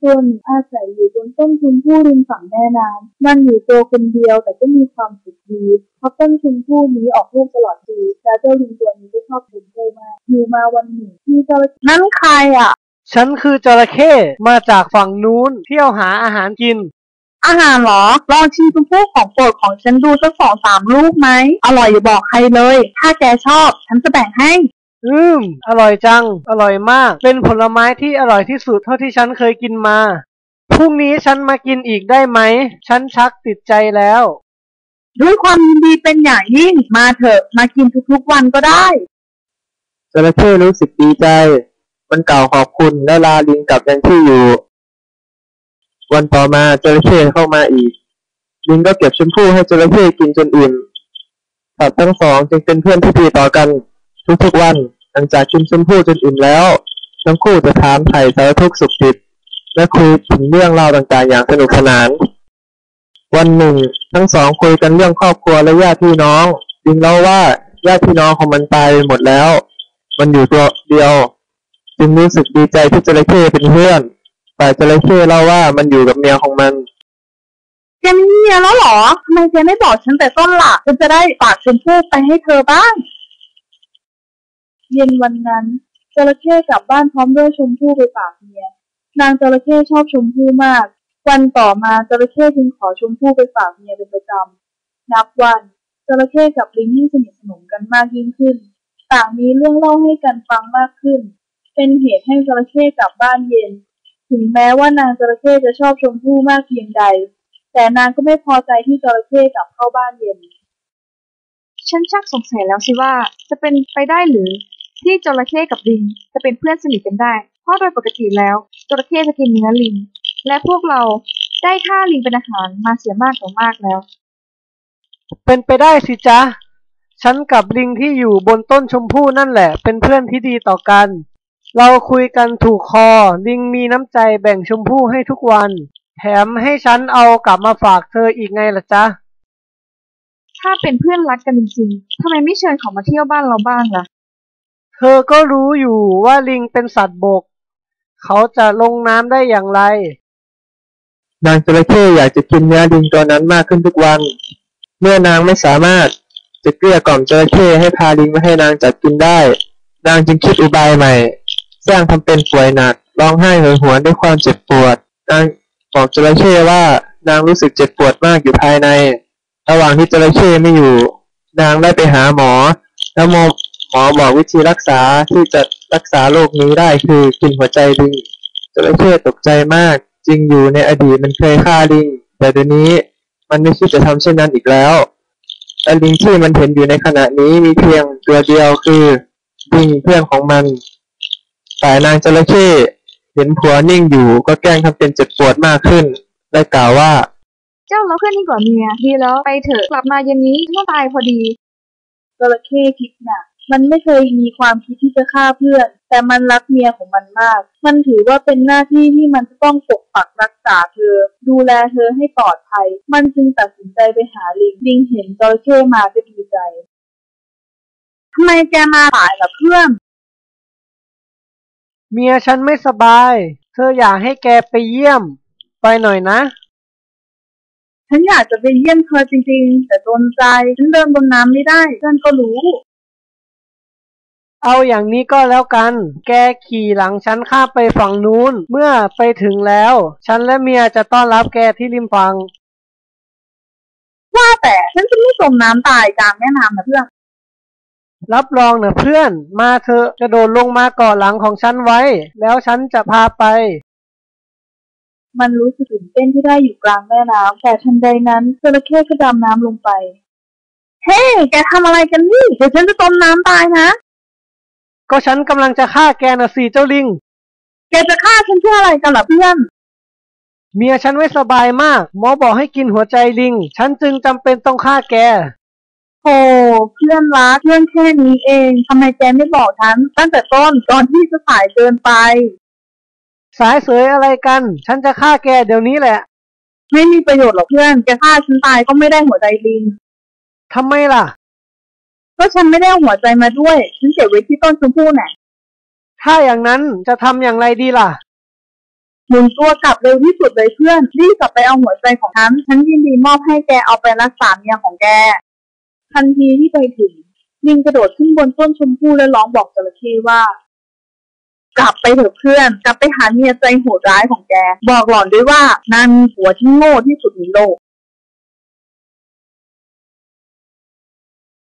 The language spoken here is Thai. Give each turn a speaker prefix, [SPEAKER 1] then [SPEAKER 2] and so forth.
[SPEAKER 1] ตัวหนึ่งอาศัยอยู่บนต้นชมพู่ริมฝั่งแม่น้ำมันอยู่ตัวคนเดียวแต่ก็มีความสุขดีเพราะต้นชมพู่นี้ออกลูกตลอดปีและเจ้าลิงตัวนี้ก็ชอบชมพู่มากอยู่มาวันหนึ่งที่เจ้านั่นใครอ่ะ
[SPEAKER 2] ฉันคือจระเข้มาจากฝั่งนู้นเที่ยวหาอาหารกิน
[SPEAKER 1] อาหารเหรอลองชิมชมพู่ของโปรดของฉันดูสัก2-3 ลูกไหมอร่อยอย่าบอกใครเลยถ้าแกชอบฉันจะแบ่งให้
[SPEAKER 2] อร่อยจังอร่อยมากเป็นผลไม้ที่อร่อยที่สุดเท่าที่ฉันเคยกินมาพรุ่งนี้ฉันมากินอีกได้ไหมฉันชักติดใจแล้ว
[SPEAKER 1] ด้วยความยินดีเป็นอย่างยิ่งมาเถอะมากินทุกๆวันก็ได้
[SPEAKER 3] จระเข้รู้สึกดีใจมันกล่าวขอบคุณและลาลิงกลับยังที่อยู่วันต่อมาจระเข้เข้ามาอีกลิงก็เก็บชมพู่ให้จระเข้กินจนอิ่มสัตว์ทั้งสองจึงเป็นเพื่อนที่ดีต่อกันทุกๆวันหลังจากกินชมพู่จนอิ่มแล้วทั้งคู่จะถามไถ่สารทุกข์สุขดิบและคุยถึงเรื่องราวต่างๆอย่างสนุกสนานวันหนึ่งทั้งสองคุยกันเรื่องครอบครัวและญาติพี่น้องลิงเล่าว่าญาติพี่น้องของมันตายหมดแล้วมันอยู่ตัวเดียวจึงรู้สึกดีใจที่จระเข้เป็นเพื่อนแต่จระเข้เล่าว่ามันอยู่กับเมียของมัน
[SPEAKER 1] แกมีเมียแล้วเหรอทำไมแกไม่บอกฉันแต่ต้นล่ะฉันจะได้ฝากชมพู่ไปให้เธอบ้างเย็นวันนั้นจระเข้กลับบ้านพร้อมด้วยชมพู่ไปฝากเมียนางจระเข้ชอบชมพู่มากวันต่อมาจระเข้จึงขอชมพู่ไปฝากเมียเป็นประจำนับวันจระเข้กับลิงยิ่งสนิทสนมกันมากยิ่งขึ้นต่างมีเรื่องเล่าให้กันฟังมากขึ้นเป็นเหตุให้จระเข้กลับบ้านเย็นถึงแม้ว่านางจระเข้จะชอบชมพู่มากเพียงใดแต่นางก็ไม่พอใจที่จระเข้กลับเข้าบ้านเย็น
[SPEAKER 4] ฉันชักสงสัยแล้วสิว่าจะเป็นไปได้หรือที่จระเข้กับลิงจะเป็นเพื่อนสนิทกันได้เพราะโดยปกติแล้วจระเข้จะกินเนื้อลิงและพวกเราได้ฆ่าลิงเป็นอาหารมาเสียมากต่อมากแล้ว
[SPEAKER 2] เป็นไปได้สิจ๊ะฉันกับลิงที่อยู่บนต้นชมพู่นั่นแหละเป็นเพื่อนที่ดีต่อกันเราคุยกันถูกคอลิงมีน้ำใจแบ่งชมพู่ให้ทุกวันแถมให้ฉันเอากลับมาฝากเธออีกไงล่ะจ๊ะ
[SPEAKER 4] ถ้าเป็นเพื่อนรักกันจริงๆทำไมไม่เชิญเขามาเที่ยวบ้านเราบ้างล่ะ
[SPEAKER 2] เธอก็รู้อยู่ว่าลิงเป็นสัตว์บกเขาจะลงน้ำได้อย่างไร
[SPEAKER 3] นางจระเข้อยากจะกินเนื้อลิงตัวนั้นมากขึ้นทุกวันเมื่อนางไม่สามารถจะเกลี้ยกล่อมจระเข้ให้พาลิงมาให้นางจับกินได้นางจึงคิดอุบายใหม่สร้างทำเป็นป่วยหนักร้องไห้โหยหวนด้วยความเจ็บปวดนางบอกจระเข้ว่านางรู้สึกเจ็บปวดมากอยู่ภายในระหว่างที่จระเข้ไม่อยู่นางได้ไปหาหมอแล้วหมอบอกวิธีรักษาที่จะรักษาโรคนี้ได้คือกินหัวใจลิงจระเข้ตกใจมากจริงอยู่ในอดีตมันเคยฆ่าลิงแต่เดี๋ยวนี้มันไม่คิดจะทำเช่นนั้นอีกแล้วแต่ลิงที่มันเห็นอยู่ในขณะนี้มีเพียงตัวเดียวคือลิงเพื่อนของมันแต่นางจระเข้เห็นผัวนิ่งอยู่ก็แกล้งทำเป็นเจ็บปวดมากขึ้นและกล่าวว่า
[SPEAKER 4] เจ้าเราเพื่อนยิ่งกว่าเมียดีแล้วไปเถอะกลับมาเย็นนี้ฉันต้องตายพอดี
[SPEAKER 1] จระเข้คิดหนักมันไม่เคยมีความคิดที่จะฆ่าเพื่อนแต่มันรักเมียของมันมากมันถือว่าเป็นหน้าที่ที่มันจะต้องปกปักรักษาเธอดูแลเธอให้ปลอดภัยมันจึงตัดสินใจไปหาลิงเห็นจระเข้มาก็ดีใจทำไมแกมาสายล่ะเพื่อน
[SPEAKER 2] เมียฉันไม่สบายเธออยากให้แกไปเยี่ยมไปหน่อยนะ
[SPEAKER 1] ฉันอยากจะไปเยี่ยมเธอจริงๆแต่โดนใจฉันเดินบนน้ำไม่ได้เพื่อนก็รู้
[SPEAKER 2] เอาอย่างนี้ก็แล้วกันแกขี่หลังฉันข้ามไปฝั่งนู้นเมื่อไปถึงแล้วฉันและเมียจะต้อนรับแกที่ริมฝั่ง
[SPEAKER 1] ว่าแต่ฉันจะไม่จมน้ำตายกลางแม่น้ำนะเพื่อน
[SPEAKER 2] รับรองนะเพื่อนมาเถอะกระโดดลงมาเกาะหลังของฉันไว้แล้วฉันจะพาไป
[SPEAKER 1] มันรู้สึกตื่นเต้นที่ได้อยู่กลางแม่น้ำแต่ทันใดนั้นจระเข้ก็ดำน้ำลงไปเฮ้แกทำอะไรกันนี่เดี๋ยวฉันจะจมน้ำตายนะ
[SPEAKER 2] ก็ฉันกำลังจะฆ่าแกน่ะสิเจ้าลิง
[SPEAKER 1] แกจะฆ่าฉันเพื่ออะไรกันล่ะเพื่อน
[SPEAKER 2] เมียฉันไม่สบายมากหมอบอกให้กินหัวใจลิงฉันจึงจำเป็นต้องฆ่าแก
[SPEAKER 1] โอ้เพื่อนรักเรื่องแค่นี้เองทำไมแกไม่บอกฉันตั้งแต่ต้นตอนที่จะสายเกินไป
[SPEAKER 2] สายเสยอะไรกันฉันจะฆ่าแกเดี๋ยวนี้แหละ
[SPEAKER 1] ไม่มีประโยชน์หรอกเพื่อนแกฆ่าฉันตายก็ไม่ได้หัวใจลิง
[SPEAKER 2] ทำไมล่ะ
[SPEAKER 1] ก็ฉันไม่ได้เอาหัวใจมาด้วยฉันเก็บไว้ที่ต้นชมพู่น่ะ
[SPEAKER 2] ถ้าอย่างนั้นจะทำอย่างไรดีล่ะ
[SPEAKER 1] หมุนตัวกลับเร็วที่สุดเลยเพื่อนรีบกลับไปเอาหัวใจของฉันยินดีมอบให้แกเอาไปรักษาเมียของแกทันทีที่ไปถึงลิงกระโดดขึ้นบนต้นชมพู่และร้องบอกจระเข้ว่ากลับไปเถอะเพื่อนกลับไปหาเมียใจโหดร้ายของแกบอกหล่อนด้วยว่านางมีผัวที่โง่ที่สุดในโลก